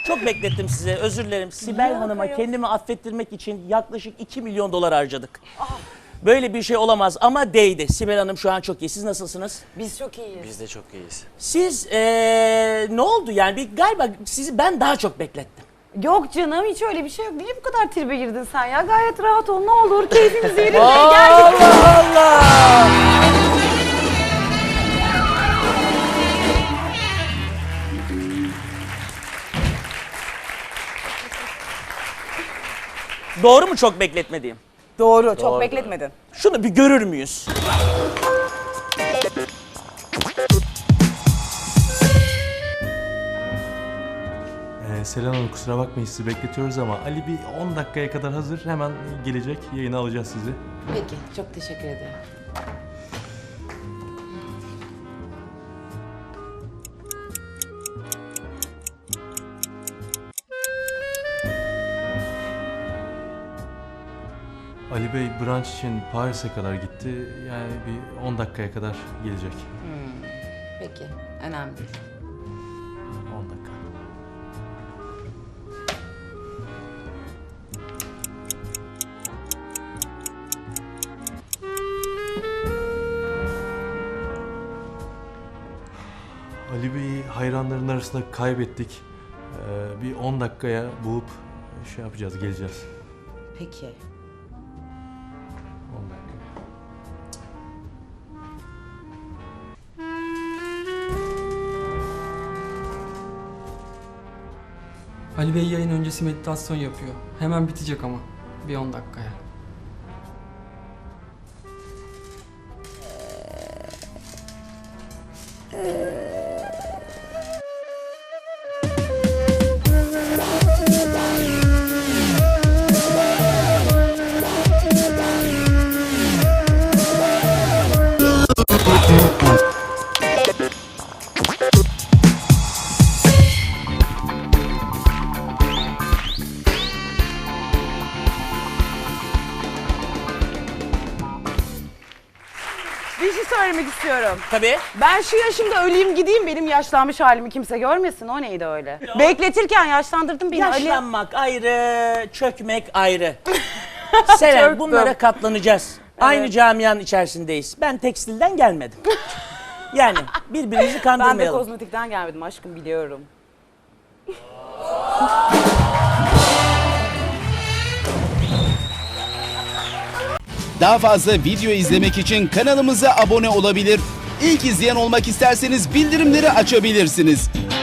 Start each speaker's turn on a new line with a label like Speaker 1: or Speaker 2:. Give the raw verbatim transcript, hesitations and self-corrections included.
Speaker 1: Çok beklettim size, özür dilerim. Sibel
Speaker 2: Yok,
Speaker 1: Hanım'a
Speaker 2: yok.
Speaker 1: kendimi affettirmek için yaklaşık iki milyon dolar harcadık. Böyle bir şey olamaz ama değdi. Sibel Hanım şu an çok iyi. Siz nasılsınız?
Speaker 2: Biz çok iyiyiz.
Speaker 3: Biz de çok iyiyiz.
Speaker 1: Siz ee, ne oldu yani? Bir, galiba sizi ben daha çok beklettim.
Speaker 2: Yok canım, hiç öyle bir şey yok. Niye bu kadar tribe girdin sen ya? Gayet rahat ol, ne olur. Keyfimiz yerinde. Gel.
Speaker 1: Allah Allah! Doğru mu çok bekletmediğim?
Speaker 2: Doğru, çok
Speaker 3: Doğru.
Speaker 2: bekletmedin.
Speaker 1: Şunu bir görür müyüz?
Speaker 4: Ee, Selen Hanım kusura bakmayın sizi bekletiyoruz ama Ali bir on dakikaya kadar hazır. Hemen gelecek. Yayına alacağız sizi.
Speaker 5: Peki, çok teşekkür ederim.
Speaker 4: Ali Bey brunch için Paris'e kadar gitti. Yani bir on dakikaya kadar gelecek.
Speaker 5: Peki, önemli değil.
Speaker 4: on dakika. Ali Bey'i hayranların arasında kaybettik. Ee, bir on dakikaya bulup şey yapacağız, geleceğiz.
Speaker 5: Peki.
Speaker 4: on dakika.
Speaker 6: Ali Bey yayın öncesi meditasyon yapıyor. Hemen bitecek ama. Bir on dakikaya.
Speaker 2: Bir şey söylemek istiyorum.
Speaker 1: Tabii.
Speaker 2: Ben şu yaşımda öleyim gideyim, benim yaşlanmış halimi kimse görmesin. O neydi öyle? Bekletirken yaşlandırdın beni Ali.
Speaker 1: Yaşlanmak ayrı, çökmek ayrı. Selen,
Speaker 2: Çöktüm.
Speaker 1: bunlara katlanacağız. Aynı camianın içerisindeyiz. Ben tekstilden gelmedim. Yani birbirimizi
Speaker 2: Ben de
Speaker 1: kandırmayalım.
Speaker 2: kozmetikten gelmedim aşkım, biliyorum.
Speaker 7: Daha fazla video izlemek için kanalımıza abone olabilir. İlk izleyen olmak isterseniz bildirimleri açabilirsiniz.